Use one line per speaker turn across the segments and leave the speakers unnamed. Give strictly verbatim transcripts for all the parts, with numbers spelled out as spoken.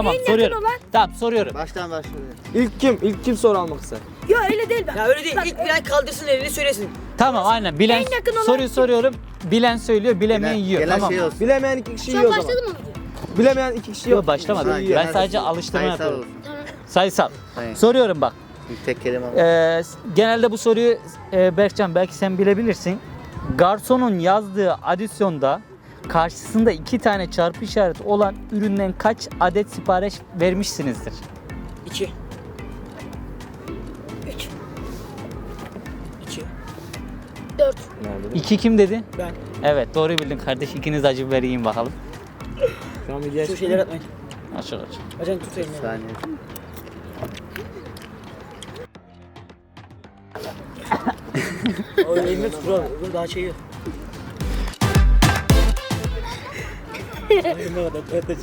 Tamam
En
soruyorum.
yakın olan.
Tamam soruyorum.
Baştan başlıyor.
İlk kim? İlk kim soru almak ister?
Yok öyle değil ben.
Ya öyle değil.
Bak,
İlk bilen kaldırsın elini söylesin.
Tamam aynen. Bilen
En yakın olan
soruyu
kim?
soruyorum. Bilen söylüyor, bilemeyen
Gelen,
yiyor.
gelen
Tamam.
şey olsun.
Bilemeyen iki kişi
Şu an
yiyor o zaman.
başladı mı video?
Bilemeyen iki kişi
Yok
yok.
başlamadım.
Ha,
Ben
genel
sadece
olsun.
alıştırma
Sayısal
yapıyorum.
olsun.
Tamam.
Sayısal.
Hayır.
Soruyorum bak.
Bir tek kelime var.
Ee, genelde bu soruyu e, Berkcan belki sen bilebilirsin. Garsonun yazdığı adisyonda karşısında iki tane çarpı işareti olan üründen kaç adet sipariş vermişsinizdir?
İki.
Üç.
İki.
Dört.
İki kim dedi?
Ben.
Evet doğru bildin kardeş. İkiniz acı biber yiyin bakalım.
Şu an videoya
Şu şeyleri atmayın.
Açık açık.
Acan tut
Bir
elini.
saniye.
O elini tut bro. Öbür daha şey yok. Ne kadar evet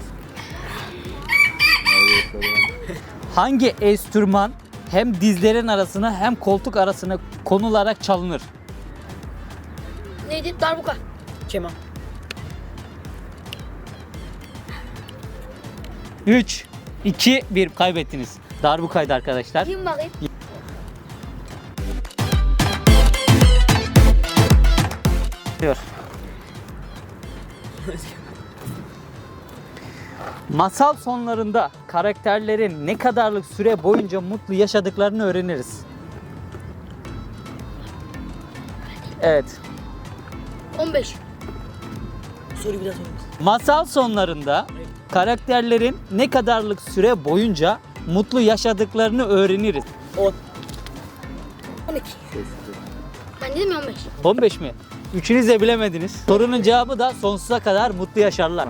Hangi enstrüman hem dizlerin arasına hem koltuk arasına konularak çalınır?
Neydi? Darbuka.
Keman.
üç, iki, bir kaybettiniz. Darbukaydı arkadaşlar.
Kim bakayım?
Diyor. Masal sonlarında karakterlerin ne kadarlık süre boyunca mutlu yaşadıklarını öğreniriz. Evet.
on beş.
Soruyu bir daha sorayım.
Masal sonlarında karakterlerin ne kadarlık süre boyunca mutlu yaşadıklarını öğreniriz.
On.
on iki. Ben dedim ya on beş.
on beş mi? Üçünüz de bilemediniz. Sorunun cevabı da sonsuza kadar mutlu yaşarlar.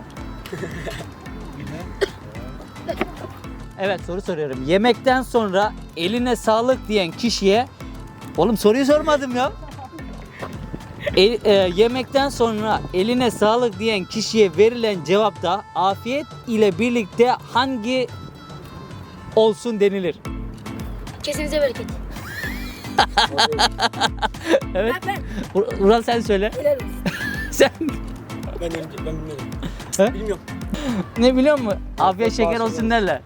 Evet soru soruyorum. Yemekten sonra eline sağlık diyen kişiye... Oğlum soruyu sormadım ya. E- e, yemekten sonra eline sağlık diyen kişiye verilen cevapta afiyet ile birlikte hangi olsun denilir?
Kesinize bereket.
Evet.
Ben,
Ur- Ural sen söyle.
ben. Helal olsun.
Sen
Ben de ben bilmiyorum.
He?
Bilmiyorum.
ne biliyor musun? Afiyet şeker olsun derler.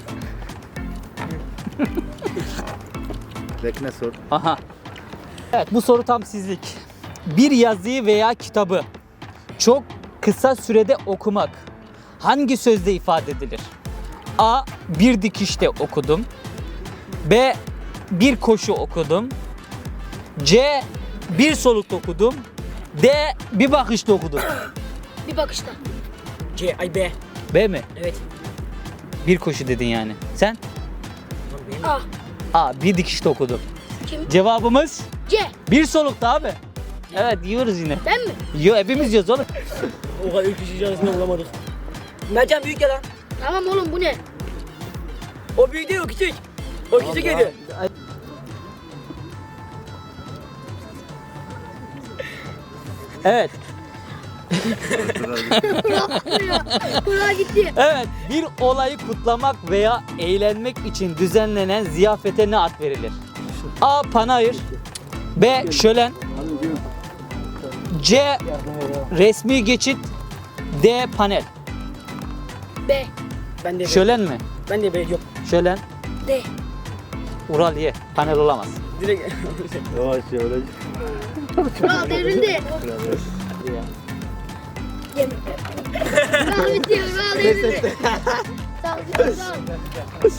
Bekle sor.
Aha. Evet bu soru tam sizlik. Bir yazıyı veya kitabı çok kısa sürede okumak hangi sözde ifade edilir? A. Bir dikişte okudum. B. Bir koşu okudum. C. Bir solukta okudum. D. Bir bakışta okudum.
Bir bakışta.
C, ay B.
B mi?
Evet.
Bir koşu dedin yani. Sen?
Tamam, B.
A.
A. Bir dikişte okudum.
Kim?
Cevabımız
C.
bir solukta abi. Evet yiyoruz yine.
Ben mi?
Yo hepimiz yiyoruz oğlum.
O kadar üç kişi arasında bulamadık. Mercan büyük ya lan.
Tamam oğlum bu ne?
O büyük değil o küçük. O küçük yedi.
Evet.
Kulağa gitti.
Evet. Bir olayı kutlamak veya eğlenmek için düzenlenen ziyafete ne ad verilir? A. Panayır. B. Şölen. C. Resmi geçit. D. Panel.
B.
Ben de B.
Şölen mi?
Ben de B yok.
Şölen.
D.
Ural ye. Panel olamaz.
Direkt.
Yavaş yavaş.
Kral devrildi. Yemin. Kral bitiyor. Kral devrildi. Sağ ol. Sağ ol.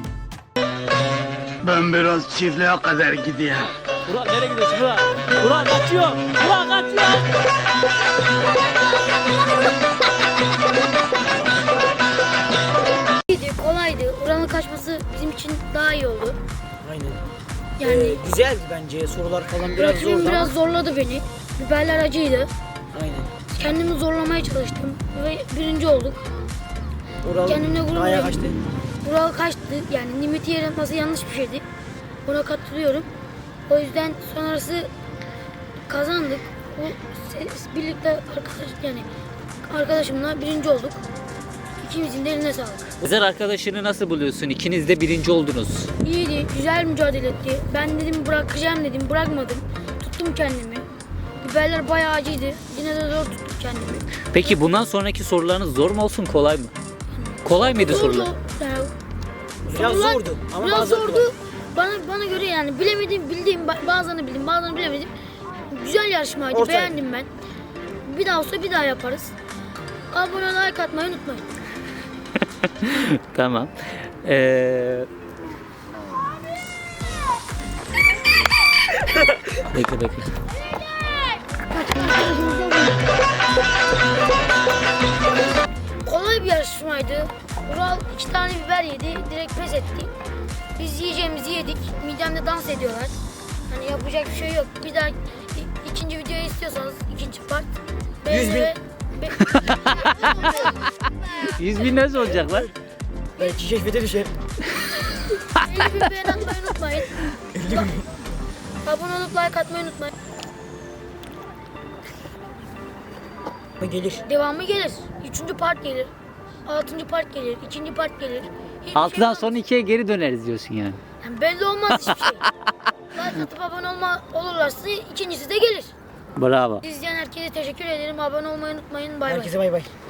Ben biraz çiftliğe kadar gideyim.
Ural nereye gidiyorsun Ural? Ural kaçıyor. Ural kaçıyor.
İyiydi, kolaydı. Uranın kaçması bizim için daha iyi oldu.
Aynen.
Yani
Ee, güzeldi bence sorular falan biraz
rakibim
zordu
biraz
ama.
zorladı beni. Biberler acıydı.
Aynen.
Kendimi zorlamaya çalıştım ve birinci olduk.
Oral
Kendimle gurur
ayağa
duydum.
kaçtı.
Ural kaçtı. Yani limiti yer atması yanlış bir şeydi. Buna katılıyorum. O yüzden sonrası kazandık. Bu se- birlikte arkadaş yani arkadaşımla birinci olduk. İkimizin de eline sağlık.
Ezer arkadaşını nasıl buluyorsun? İkiniz de birinci oldunuz.
İyiydi, güzel mücadele etti. Ben dedim bırakacağım dedim, bırakmadım. Tuttum kendimi. Biberler bayağı acıydı. Yine de zor tuttum kendimi.
Peki bundan sonraki sorularınız zor mu olsun kolay mı? Kolay mıydı
Zordu.
sorular?
Yani
Biraz
sorular
zordu ama
biraz
bazıları
zordu.
kolay.
Bana bana göre yani bilemedim, bildiğim ba- bazılarını bildim, bazılarını bilemedim. Güzel yarışmaydı,
Ortaya.
beğendim ben. Bir daha olsa bir daha yaparız. Abone olmayı, like atmayı unutmayın.
Tamam. Ee... bekle bekle.
Kolay bir yarışmaydı. Ural iki tane biber yedi, direkt pes etti. Biz yiyeceğimizi yedik, midemde dans ediyorlar. Hani yapacak bir şey yok. Bir daha i- ikinci videoyu istiyorsanız ikinci part.
Yüz bin.
Ve- ve-
yüz bin nasıl olacak lan?
Belki keşfete düşer.
elli bin beğeni atmayı unutmayın. Abone olup like atmayı unutmayın.
Gelir.
Devamı gelir. Üçüncü part gelir. Altıncı part gelir. İkinci part gelir. Hiçbir
altıdan
şey
sonra ikiye geri döneriz diyorsun yani.
olmaz. Yani belli olmaz hiçbir şey. Like atıp abone olma olurlarsa ikincisi de gelir.
Bravo.
İzleyen herkese teşekkür ederim. Abone olmayı unutmayın. Bay bay.
Herkese bay bay.